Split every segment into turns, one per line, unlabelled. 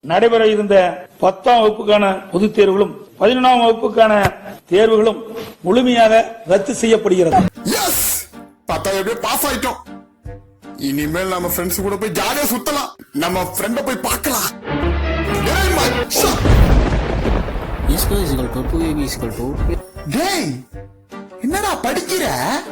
நடைபெற இருந்த 10ஆம் வகுப்புக்கான பொதுத் தேர்வுகளும் 11ஆம் வகுப்புக்கான தேர்வுகளும் முழுமையாக ரத்து செய்யப்படுகிறது.
பாஸ் ஆயிட்டோம். இனிமேல் நம்ம ஃப்ரெண்ட்ஸ் கூட போய் ஜாலியா சுத்தலாம். நம்ம ஃப்ரெண்ட போய் பார்க்கலாம். என்னடா படிக்கிற?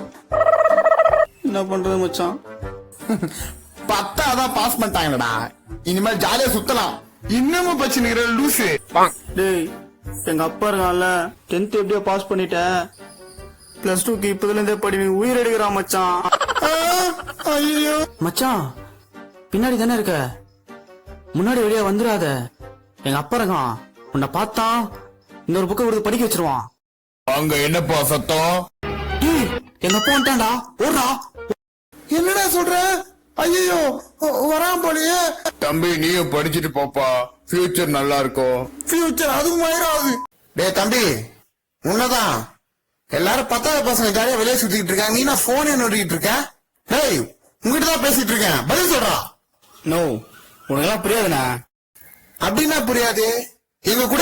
என்ன பண்றது மச்சான்?
10ஆதான் பாஸ் பண்ணிட்டாங்கடா. இனிமேல் ஜாலியா சுத்தலாம். இன்னமும் பச்சினுக்கிற லூசு.
டேய், எங்க அப்பா இருக்கான்ல, 10th எப்படியோ பாஸ் பண்ணிட்டேன். +2க்கு இப்பதுல இருந்தே படி உயிர் எடுக்கிறான் மச்சான்.
ஐயோ
மச்சான், பின்னாடி தானே இருக்க, முன்னாடி வெளியே வந்துடாத. எங்க அப்பா இருக்கான், உன்னை பார்த்தா இன்னொரு புக்கை கொடுத்து படிக்க வச்சிருவான்.
அங்க என்னப்பா சத்தம்?
எங்க அப்பா வந்துட்டான்டா, ஓடுறா.
என்னடா சொல்ற? ஐயோ வரான் போலியே. தம்பி நீயும் படிச்சுட்டு போப்பா, ஃபியூச்சர் நல்லா இருக்கும். ஃபியூச்சர் அதுவும் ஆயிராது. டேய் தம்பி, உன்னதான் எல்லாரும் 10வது பசங்க ஜாலியா வெளியே சுத்திட்டு இருக்காங்க, நீ நான் போனே நோட்டிட்டு இருக்க. டேய் உங்ககிட்ட தான் பேசிட்டு இருக்கேன், பதில் சொல்றா.
நோ, உனக்கெல்லாம் புரியாதுண்ணா.
அப்படின்னா புரியாது, எங்க கூட.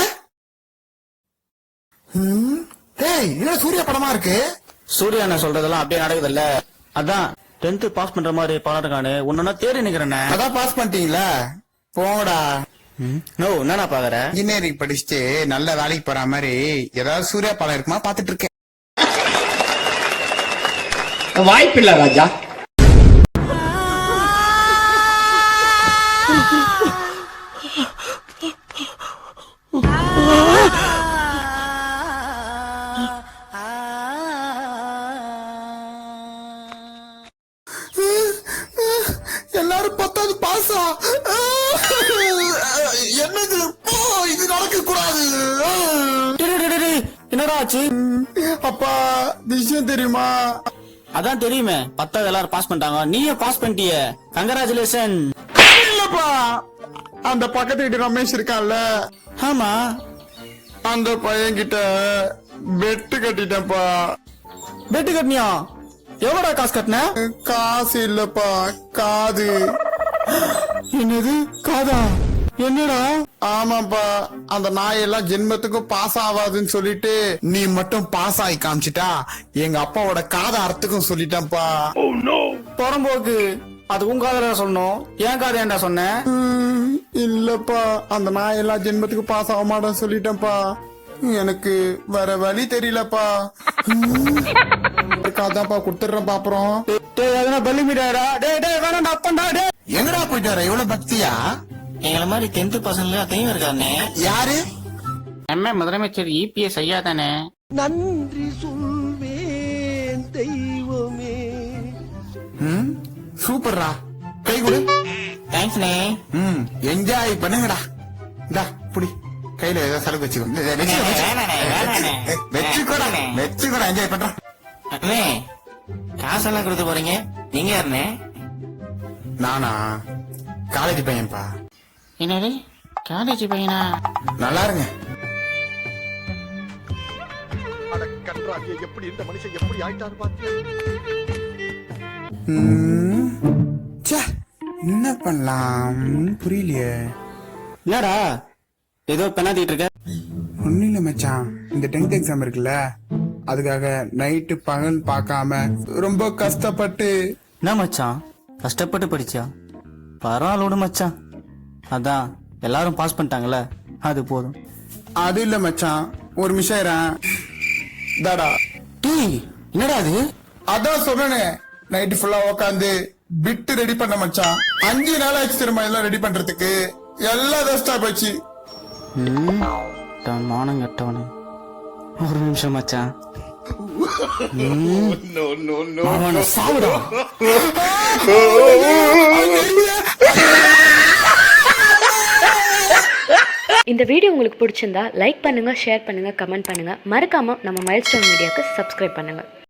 டேய் என்ன சூர்யா படமா இருக்கு?
சூர்யா என்ன சொல்றதெல்லாம் அப்படியே நடக்குதுல்ல, அதான் 10th பாஸ் பண்ற மாதிரி பாராட்டுக்கானு உன்னா தேடி நிக்கிறேன்.
அதான் பாஸ் பண்ணிட்டீங்களா, போங்கடா.
நோ, என்னண்ணா பாக்குற?
இன்ஜினியரிங் படிச்சுட்டு நல்ல வேலைக்கு போற மாதிரி ஏதாவது சூர்யா படம் இருக்குமா பாத்துட்டு இருக்கேன்.
வாய்ப்பில்லை ராஜா.
எல்லாரும் 10வது பாஸா? என்னது இது நடக்க கூடாது.
என்னடா ஆச்சு?
அப்பா விஷயம் தெரியுமா?
அதான் தெரியுமே, 10வது எல்லாரும் பாஸ் பண்ணிட்டாங்க, நீயும் பாஸ் பண்ணிட்டிய. கங்கராச்சுலேஷன்.
இல்லப்பா, அந்த பக்கத்து வீட்டு ரமேஷ் இருக்கான்ல,
ஆமா,
அந்த பையன் கிட்ட பெட்டு கட்டிட்டேன்ப்பா.
பெட்டு கட்டினியா? எவ்வளோ காசு கட்டின?
காசு இல்லப்பா, காது.
என்னது காதா? என்னடா?
ஆமாப்பா, அந்த நாயெல்லாம் ஜென்மத்துக்கும் பாஸ் ஆகாதுன்னு சொல்லிட்டு நீ மட்டும் பாஸ் ஆகி காமிச்சிட்டா எங்க அப்பாவோட காத அர்த்தக்கும் சொல்லிட்டேன்ப்பா.
புறம்போக்கு, அது உன் காதல சொல்லணும், ஏன் காதை ஏன்டா சொன்ன?
இல்லப்பா, அந்த நாயெல்லாம் ஜென்மத்துக்கு பாஸ் ஆக மாட்டேன்னு சொல்லிட்டேன்ப்பா. எனக்கு வேற வழி தெரியலப்பா. காதாப்பா கொடுத்துடுறேன் பாப்புறம்.
பள்ளி மீடாடா. வேணாண்டா, அப்பண்டா.
எங்கடா போயிட்டாரு இவ்வளவு பக்தியா?
எங்களை மாதிரி 10th பசங்க அதையும் இருக்கானே.
யாரு?
எம்ஏ முதலமைச்சர் EPS ஐயா தானே.
நன்றி சொல்வேன் தெய்வமே.
சூப்பர்ரா, கை கொடு.
தேங்க்ஸ்ண்ணே.
என்ஜாய் பண்ணுங்கடா. இந்தா புடி, கையில ஏதோ சலுகை வச்சுக்கோடா, என்ஜாய் பண்றான்.
அண்ணே, காசெல்லாம் கொடுத்து போறீங்க, நீங்க யாருண்ணே?
நானா காலேஜ் பையன்பா.
என்னது காலேஜ் பையனா?
நல்லா இருங்க.
எப்படி இந்த மனுஷன் எப்படி ஆயிட்டாரு பாத்தியா?
என்ன பண்ணலாம் புரியலையே.
என்னடா ஏதோ பெண்ணாத்திட்டு இருக்க?
ஒன்னும் இல்ல மச்சான், இந்த 10th எக்ஸாம் இருக்குல்ல, அதுக்காக நைட்டு பகல் பார்க்காம ரொம்ப கஷ்டப்பட்டு.
என்ன மச்சான், கஷ்டப்பட்டு படிச்சா? பரவாயில்ல மச்சான், அதான் எல்லாரும் பாஸ் பண்ணிட்டாங்கல்ல, அது போதும்.
அது இல்ல மச்சான், ஒரு நிமிஷம் தாடா.
டேய் என்னடா அது?
அதான் சொன்னேனே, நைட்டு ஃபுல்லா உக்காந்து பிட்டு ரெடி பண்ண மச்சான். 5 நாள் ஆச்சு திரும்ப எல்லாம் ரெடி பண்றதுக்கு. எல்லாம் வேஸ்டா போச்சு.
மானம் கட்டவனு. ஒரு நிமிஷம் மச்சான். சாவுடா.
இந்த வீடியோ உங்களுக்கு பிடிச்சிருந்தா லைக் பண்ணுங்க, ஷேர் பண்ணுங்க, கமெண்ட் பண்ணுங்க. மறக்காம நம்ம மைல்ஸ்டோன் மீடியாவுக்கு சப்ஸ்கிரைப் பண்ணுங்க.